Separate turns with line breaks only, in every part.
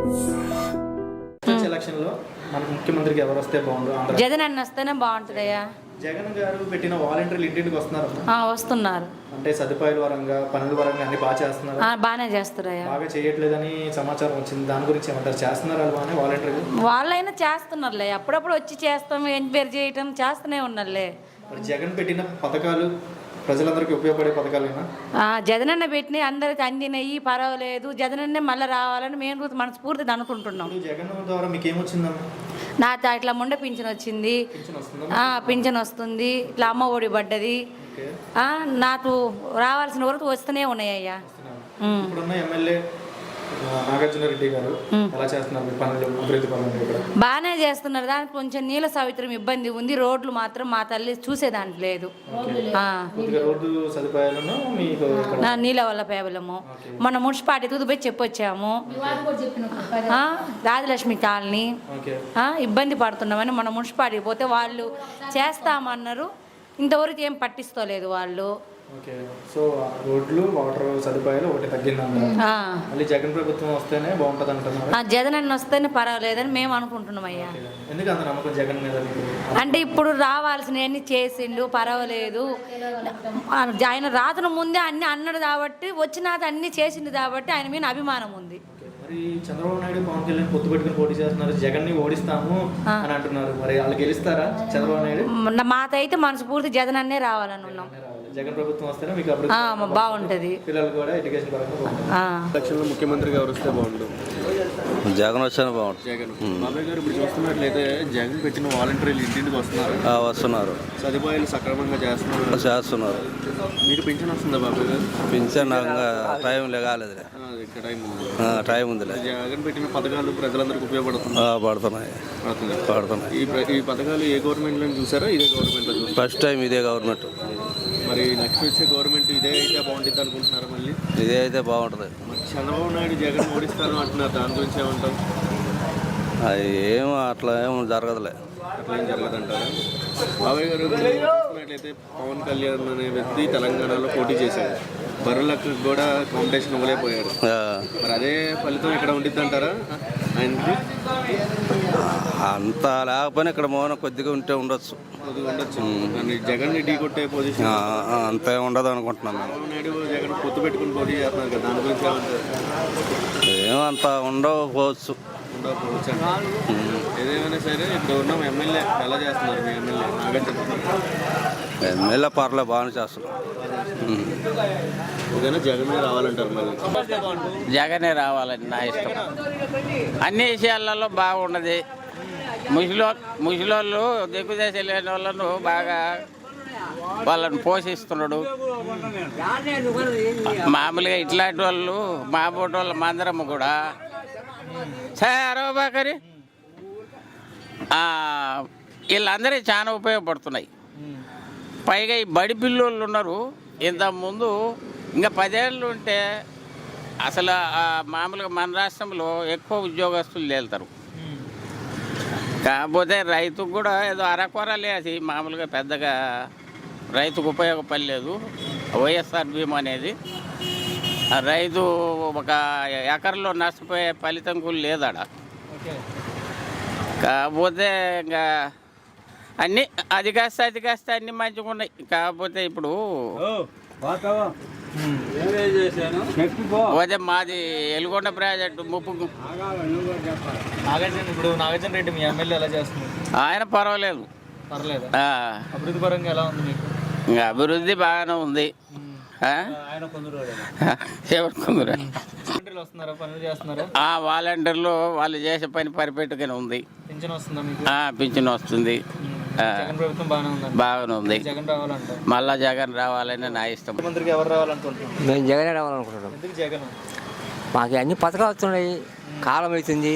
Election లో మనకు ముఖ్యమంత్రికి ఎవరు వస్తే బాగుండు?
జగన్ అన్న వస్తేనే బాగుంటుందయ్యా.
జగన్ గారు పెట్టిన వాలంటీర్లు ఇంటింటికి వస్తున్నారు.
వస్తున్నారు.
అంటే సదుపాయాల పరంగా పనుల పరంగా అన్ని బాగా చేస్తున్నారు.
బాగానే చేస్తున్నారయ్యా.
బాగా చేయట్లేదని సమాచారం వచ్చింది. దాని గురించి ఏమంటారు? చేస్తున్నారు వాళ్ళు వాలంటీర్లు?
వాళ్ళైనా చేస్తున్నారులే, అప్పుడప్పుడు వచ్చి చేస్తాం, ఎంక్వైరీ చేయటం చేస్తూనే ఉన్నారులే.
మరి జగన్ పెట్టిన పథకాలు ప్రజలందరికీ ఉపయోగపడే పథకాలేనా?
జగనన్న పెట్టినవి అందరికి అందినవి, పర్వాలేదు. జగనన్నే మళ్ళీ రావాలని మేము మనస్ఫూర్తిగా అనుకుంటున్నాం.
జగన్ ద్వారా మీకు ఏమొచ్చిందమ్మా?
నాకు ఇట్లా ముండ పింఛన్ వచ్చింది, పింఛన్ వస్తుంది, ఇట్లా అమ్మ ఒడి పడ్డది. నాకు రావాల్సిన వరకు వస్తూనే ఉన్నాయ్యా.
ఇప్పుడున్న ఎమ్మెల్యే నాగార్జున రెడ్డి గారు ఎలా చేస్తున్నారు పనులు, అభివృద్ధి పనులు?
బాగానే చేస్తున్నారు. దానికి కొంచెం నీళ్ళ సౌకర్యం ఇబ్బంది ఉంది. రోడ్లు మాత్రం మా తల్లి చూసేదానికి లేదు.
రోడ్డు సదుపాయాలను
నీళ్ళ వల్ల పేవలము మన మున్సిపాలిటీ తుదిపోయి చెప్పొచ్చాము. రాజలక్ష్మి కాలనీ ఇబ్బంది పడుతున్నామని మన మున్సిపాలిటీ పోతే వాళ్ళు చేస్తామన్నారు. ఇంతవరకు ఏం పట్టించుకోలేదు వాళ్ళు.
సో రోడ్లు వాటర్ సదుపాయాలు ఒకటి తగ్గిందన్నారు. మళ్ళీ జగన్ ప్రభుత్వం వస్తేనే బాగుంటుంది అంటున్నారు.
జగన్ అన్న వస్తేనే పర్వాలేదని మేము అనుకుంటున్నాం అయ్యా.
ఎందుకు అంత నమ్మకం జగన్ మీద?
అంటే ఇప్పుడు రావాల్సినవన్నీ చేసిండు, పర్వాలేదు. ఆయన రాత్రి ముందే అన్ని అన్నాడు కాబట్టి, వచ్చినాక అన్ని చేసిండు కాబట్టి ఆయన మీద అభిమానం ఉంది.
మరి చంద్రబాబు నాయుడు పవన్ కళ్యాణ్ పొత్తు పెట్టుకుని పోటీ చేస్తున్నారు. జగన్ ని ఓడిస్తాము అని అంటున్నారు. మరి వాళ్ళు గెలుస్తారా చంద్రబాబు నాయుడు?
మాకైతే మనస్ఫూర్తి జగన్ అన్నే రావాలని ఉన్నాం.
జగన్ ప్రభుత్వం వస్తేనే మీకు
బాగుంటది.
పిల్లలు కూడా ఎడ్యుకేషన్ పరంగా ముఖ్యమంత్రిగా ఎవరు వస్తే బాగుంటుంది?
జగన్ వస్తేనే బాగుంటుంది.
జగన్ బాబాయ్ గారు ఇప్పుడు చూస్తున్నట్లయితే జగన్ పెట్టిన వాలంటీర్లు ఇంటింటికి
వస్తున్నారు.
సదుపాయాలు సక్రమంగా చేస్తున్నారు. మీకు పింఛన్ వస్తుందా బాబాయ్ గారు?
పింఛన్ టైం కాలేదు. టైం ఉంది.
జగన్ పెట్టిన పథకాలు ప్రజలందరికీ
పడుతున్నాయి.
ఈ పథకాలు ఏ గవర్నమెంట్ లో చూసారా? ఇదే గవర్నమెంట్ లో చూసారా?
ఫస్ట్ టైం ఇదే గవర్నమెంట్.
మరి నెక్స్ట్ వచ్చే గవర్నమెంట్ ఇదే అయితే బాగుంటుంది అనుకుంటున్నారు? మళ్ళీ
ఇదే అయితే బాగుంటుంది.
చంద్రబాబు నాయుడు జగన్ ఓడిస్తారు అంటున్నారు. దాని గురించి ఏమంటారు?
అది అట్లా ఏం జరగదులే.
అట్లా ఏం జరగదంటారా? బాబాయ్ గారు చూసినట్లయితే పవన్ కళ్యాణ్ అనే వ్యక్తి తెలంగాణలో పోటీ చేశాడు. బర్రెలకు కూడా కాంపిటీషన్ ఇవ్వలేకపోయాడు. మరి అదే ఫలితం ఇక్కడ ఉంటుంది అంటారా ఆయనకి?
అంత లేకపోయినా ఇక్కడ మౌనం కొద్దిగా ఉంటే ఉండొచ్చు.
జగన్ ఢీ కొట్టే పొజిషన్
అంత ఉండదు అనుకుంటున్నాను.
నాయుడు జగన్ పొత్తు పెట్టుకుని పోటీ చేస్తున్నారు కదా, దాని గురించి
ఏమంత ఉండకపోవచ్చు.
ఏదేమైనా సరే ఇప్పుడు ఉన్నాం ఎమ్మెల్యే ఎలా చేస్తున్నారు? మీ ఎమ్మెల్యే
ఎమ్మెల్యే పర్లే బాగానే చేస్తున్నారు.
జగన్ రావాలంటారు? మళ్ళీ
జగనే రావాలని నా ఇష్టం. అన్ని విషయాలలో బాగున్నది. ముసలోళ్ళు దిక్కుదేశం లేని వాళ్ళను బాగా వాళ్ళని పోషిస్తున్నాడు. మామూలుగా ఇట్లాంటి వాళ్ళు మా బోటి వాళ్ళ మందరము కూడా బాకరి వీళ్ళందరూ చాలా ఉపయోగపడుతున్నాయి. పైగా ఈ బడి పిల్లోళ్ళు ఉన్నారు. ఇంతకుముందు ఇంకా 10 ఏళ్ళు ఉంటే అసలు మామూలుగా మన రాష్ట్రంలో ఎక్కువ ఉద్యోగస్తులు వెళ్తారు. కాకపోతే రైతుకు కూడా ఏదో అరకొరలే, అది మామూలుగా పెద్దగా రైతుకు ఉపయోగపడలేదు వైఎస్ఆర్ బీమా అనేది. రైతు ఒక ఎకరంలో నష్టపోయే ఫలితం కూడా లేదాడ. కాకపోతే ఇంకా అన్నీ అది కాస్త అన్నీ మంచిగా ఉన్నాయి. కాకపోతే ఇప్పుడు అదే మాది ఎలుగొండ ప్రాజెక్టు ముప్పు.
నాగార్జున రెడ్డి మీ ఎమ్మెల్యే ఎలా చేస్తున్నారు?
ఆయన పర్వాలేదు.
అభివృద్ధి పరంగా ఎలా ఉంది మీకు?
ఇంకా అభివృద్ధి బాగానే ఉంది. వాలంటీర్లు వాళ్ళు చేసే పని పర్ఫెక్ట్గానే ఉంది. పింఛన్ వస్తుంది. బాగానే ఉంది. మళ్ళా జగన్ రావాలని నా ఇష్టం.
మేము జగనే రావాలనుకుంటున్నాం. మాకు అన్ని పథకాలు వస్తున్నాయి. కాలం అవుతుంది.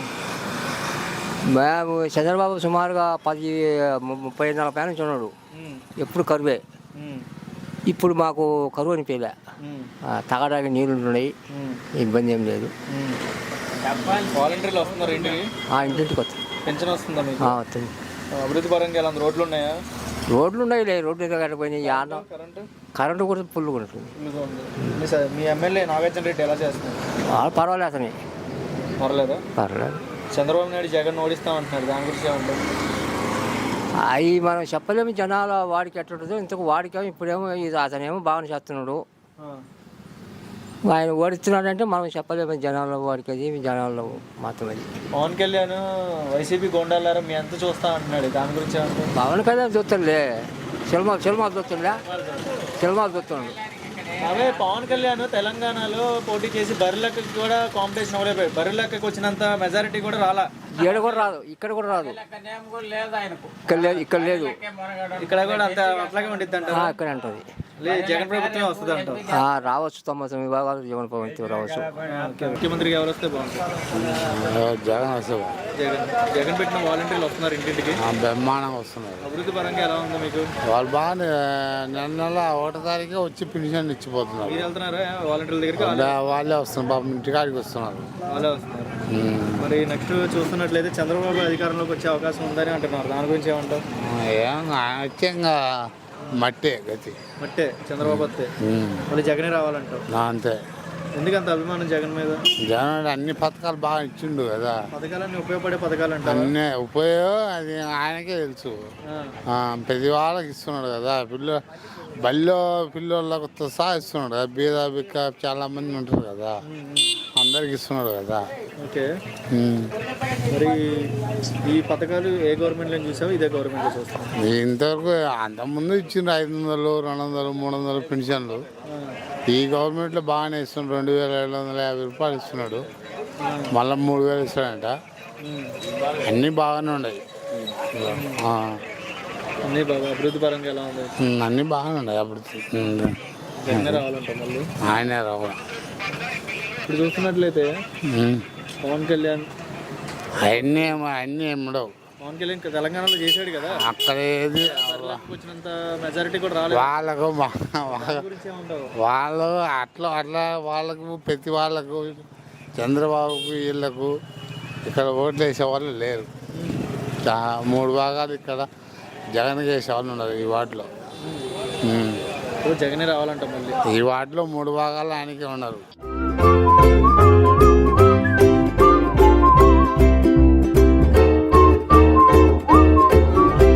మేము చంద్రబాబు సుమారుగా 30-40 నుంచి ఉన్నాడు. ఎప్పుడు కరువే. ఇప్పుడు మాకు కరువు అనిపించలే. తాగడానికి నీళ్ళు ఉంటున్నాయి. ఇబ్బంది ఏం లేదు.
వాలంటీర్లు వస్తున్నారు ఇంటికి?
ఇంటింటికి వస్తుంది.
పెన్షన్ వస్తుందా?
వస్తుంది.
అభివృద్ధి పరంగా ఎలా? రోడ్లు ఉన్నాయా?
రోడ్లు ఉన్నాయి. రోడ్లు కట్టపోయినాయి. కరెంటు కూడా ఫుల్గా ఉంటుంది.
మీ ఎమ్మెల్యే నాగార్జున రెడ్డి ఎలా చేస్తున్నారు?
వాళ్ళు పర్వాలేదు. అతని
పర్లేదా?
పర్లేదు.
చంద్రబాబు నాయుడు జగన్ ఓడిస్తాం అంటున్నారు, దాని గురించి ఏమంటారు?
అవి మనం చెప్పలేము. జనాల వాడికి ఎట్లుంటుందో ఇంతకు వాడికేమో ఇప్పుడేమో ఇది అతనేమో బాగానే చేస్తున్నాడు. ఆయన ఓడిస్తున్నాడంటే మనం చెప్పలేము. జనాల్లో వాడికి అది జనాల్లో మాత్రం అది.
పవన్ కళ్యాణ్ వైసీపీ గోండాలారా మీ అంతా చూస్తా అంటున్నాడు, దాని గురించి ఏమంటారు?
పవన్ కళ్యాణ్ చూస్తుండే సినిమాలు చూస్తుండే సినిమాలు చూస్తున్నాడు.
అవే పవన్ కళ్యాణ్ తెలంగాణలో పోటీ చేసి బర్రెలక్కకి కూడా కాంపిటీషన్ అవ్వలేకపోయాడు. బర్రెలక్కకి వచ్చినంత మెజారిటీ కూడా రాలా.
ఇక్కడ కూడా రాదు, ఇక్కడ కూడా రాదు, ఇక్కడ లేదు.
ఇక్కడ కూడా అంత అట్లాగే ఉండిద్ది అంట.
ఇక్కడ ఉంటుంది.
జగన్ ప్రభుత్వం వస్తుంది అంట.
రావచ్చు. 99 విభాగాలు జగన్ ప్రభుత్వం రావచ్చు.
ముఖ్యమంత్రికి ఎవరు వస్తే బాగుంటుంది?
జగన్ వస్తే
జగన్ పెట్టిన వాలంటీర్లు వస్తున్నారు ఇంటింటికి,
బ్రహ్మాండంగా వస్తున్నారు.
అభివృద్ధి పరంగా ఎలా ఉంది మీకు?
వాళ్ళు బాగా నెల 1వ తారీఖు వచ్చి పెన్షన్ ఇచ్చిపోతున్నారు.
మీరు వెళ్తున్నారా వాలంటీర్ల దగ్గరికి?
వాళ్ళే వస్తున్నారు, పాపం ఇంటికాడికి వస్తున్నారు.
వాళ్ళే వస్తున్నారు. మరి నెక్స్ట్ చూస్తున్నట్లయితే చంద్రబాబు అధికారంలోకి వచ్చే అవకాశం ఉందని అంటున్నారు, దాని గురించి ఏమంటారు?
ముఖ్యంగా మట్టే గతి,
మట్టే చంద్రబాబు వస్తే మళ్ళీ జగనే రావాలంటారు.
అంతే.
ఎందుకంత అభిమానం జగన్ మీద?
జగన్ అన్ని పథకాలు బాగా ఇచ్చిండు కదా,
పథకాలన్నీ ఉపయోగపడే పథకాలు అంటారు.
అన్నీ ఉపయోగం అది ఆయనకే తెలుసు. ప్రతి వాళ్ళకి ఇస్తున్నాడు కదా, బళ్ళో పిల్లోళ్ళతో సహా ఇస్తున్నాడు కదా. బీద బిక్క చాలా మంది ఉంటారు కదా, అందరికి ఇస్తున్నాడు కదా.
ఓకే. మరి ఈ పథకాలు ఏ గవర్నమెంట్లో చూసావు, ఇదే గవర్నమెంట్లో చూస్తాం?
ఇంతవరకు అంతకుముందు ఇచ్చిండ్రు 500, 200, 300 పెన్షన్లు. ఈ గవర్నమెంట్లో బాగానే ఇస్తున్నాడు. 2750 రూపాయలు ఇస్తున్నాడు. మళ్ళీ 3000 ఇస్తాడంట. అన్నీ బాగానే ఉన్నాయి.
అన్నీ బాగా అభివృద్ధి పరంగా ఎలా ఉంది?
అన్నీ బాగానే ఉన్నాయి అభివృద్ధి.
జగనే రావాలంట మళ్ళీ?
ఆయనే రావాలి.
ఇప్పుడు చూస్తున్నట్లయితే పవన్ కళ్యాణ్
అవన్నీ ఏమడవు.
పవన్ కళ్యాణ్ తెలంగాణలో చేశాడు కదా,
అక్కడ ఏది
వచ్చినంత మెజారిటీ కూడా రాలేదు.
వాళ్ళకు
గురించి ఏమంటావు?
వాళ్ళు అట్లా వాళ్ళకు ప్రతి వాళ్ళకు చంద్రబాబుకు వీళ్ళకు ఇక్కడ ఓట్లు వేసే వాళ్ళు లేరు. 3 భాగాలు ఇక్కడ జగన్ వేసే వాళ్ళు ఉన్నారు ఈ వార్డులో.
జగనే రావాలంట మళ్ళీ.
ఈ వార్డులో 3 భాగాలు ఆయనకే ఉన్నారు.